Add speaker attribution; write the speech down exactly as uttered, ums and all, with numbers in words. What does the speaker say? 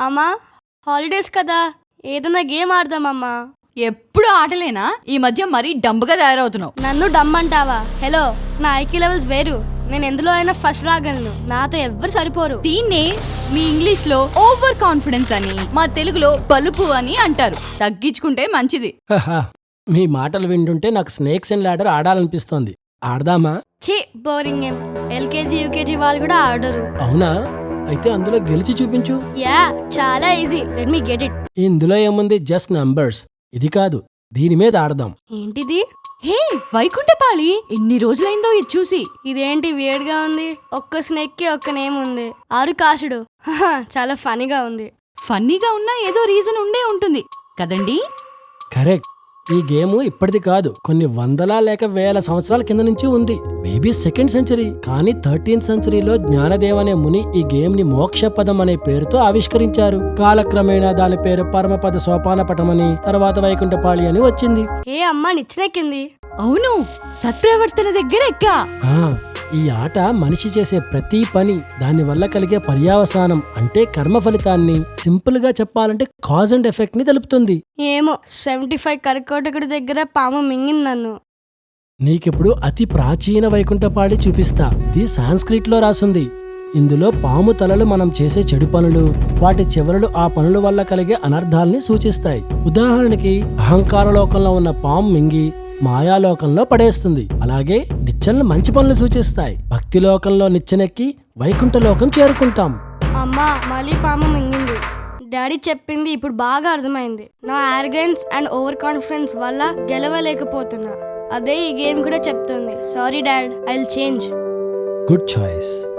Speaker 1: అమ్మా హాలిడేస్ కదా ఏదైనా గేమ్ ఆడదామమ్మా.
Speaker 2: ఎప్పుడు ఆటలేనా? ఈ మధ్య మరీ డంబుగా తయారవుతున్నావు.
Speaker 1: నన్ను డమ్ అంటావా? హలో, నా ఐక్యూ లెవెల్స్ వేరు. నేను ఎందులో అయినా ఫస్ట్ రాగలను. నాతో ఎవ్వరు సరిపోరు.
Speaker 2: దీన్నే మీ ఇంగ్లీష్ లో ఓవర్ కాన్ఫిడెన్స్ అని, మా తెలుగులో బలుపు అని అంటారు. తగ్గించుకుంటే మంచిది.
Speaker 3: మీ మాటలు వింటుంటే నాకు స్నేక్స్ అండ్ ల్యాడర్ ఆడాలనిపిస్తోంది. ఆడదామా?
Speaker 1: ఛీ, బోరింగ్ గేమ్. ఎల్కేజీ యూకేజీ వాళ్ళు కూడా ఆడరు.
Speaker 3: అవునా? అయితే అందులో గెలిచి చూపించు.
Speaker 1: యా, చాలా easy. Let me get it.
Speaker 3: ఇందులో ఏముంది? Just numbers. ఇది కాదు, దీని మీద ఆడదాం.
Speaker 1: ఏంటిది?
Speaker 2: హే వైకుంఠపాళి, ఎన్ని రోజులైందో ఇది చూసి.
Speaker 1: ఇదేంటి వియర్డ్ గా ఉంది? ఒక్క స్నేక్ కి ఒక్క నేమ్ ఉంది, ఆరుకాసుడు. చాలా ఫనీగా ఉంది.
Speaker 2: ఫన్నీగా ఉన్నా ఏదో రీజన్ ఉండే ఉంటుంది కదండి.
Speaker 3: కరెక్ట్. ఈ గేమ్ ఇప్పటిది కాదు, కొన్ని వందల లేక వేల సంవత్సరాల కింద నుంచి ఉంది. Maybe second century. కానీ థర్టీన్త్ సెంచరీలో జ్ఞానదేవ్ అనే ముని ఈ గేమ్ ని మోక్షపదం అనే పేరుతో ఆవిష్కరించారు. కాలక్రమేణా దాని పేరు పరమపద సోపానపటమని, తర్వాత వైకుంఠపాళి అని వచ్చింది.
Speaker 1: ఏ అమ్మా నిచ్చినెక్కింది.
Speaker 2: అవును, సత్ప్రవర్తన దగ్గర ఎక్కా.
Speaker 3: ఆ ఈ ఆట మనిషి చేసే ప్రతి పని, దాని వల్ల కలిగే పర్యావసానం అంటే కర్మ ఫలితాన్ని, సింపుల్ గా చెప్పాలంటే కాజ్ అండ్ ఎఫెక్ట్ ని తెలుపుతుంది.
Speaker 1: ఏమో, సెవెంటీ ఫైవ్ కర్కోటకుడి దగ్గర పాము మింగింది నన్ను.
Speaker 3: నీకిప్పుడు అతి ప్రాచీన వైకుంఠపాళి చూపిస్తా. ఇది సాంస్క్రిట్ లో రాసుంది. ఇందులో పాము తలలు మనం చేసే చెడు పనులు, వాటి చివరలు ఆ పనుల వల్ల కలిగే అనర్థాల్ని సూచిస్తాయి. ఉదాహరణకి, అహంకార లోకంలో ఉన్న పాము మింగి మాయాలోకంలో పడేస్తుంది. అలాగే నిచ్చెనలు మంచి పనులు సూచిస్తాయి. భక్తి లోకంలో నిచ్చెనెక్కి వైకుంఠ లోకం చేరుకుంటాం.
Speaker 1: అమ్మా, మళ్ళీ పాము మింగింది. డాడీ చెప్పింది ఇప్పుడు బాగా అర్థమైంది. నా ఆర్గన్స్ అండ్ ఓవర్ కాన్ఫిడెన్స్ వల్ల గెలవలేకపోతున్నా. అదే ఈ గేమ్ కూడా చెప్తుంది. Sorry dad, I will change.
Speaker 3: Good choice.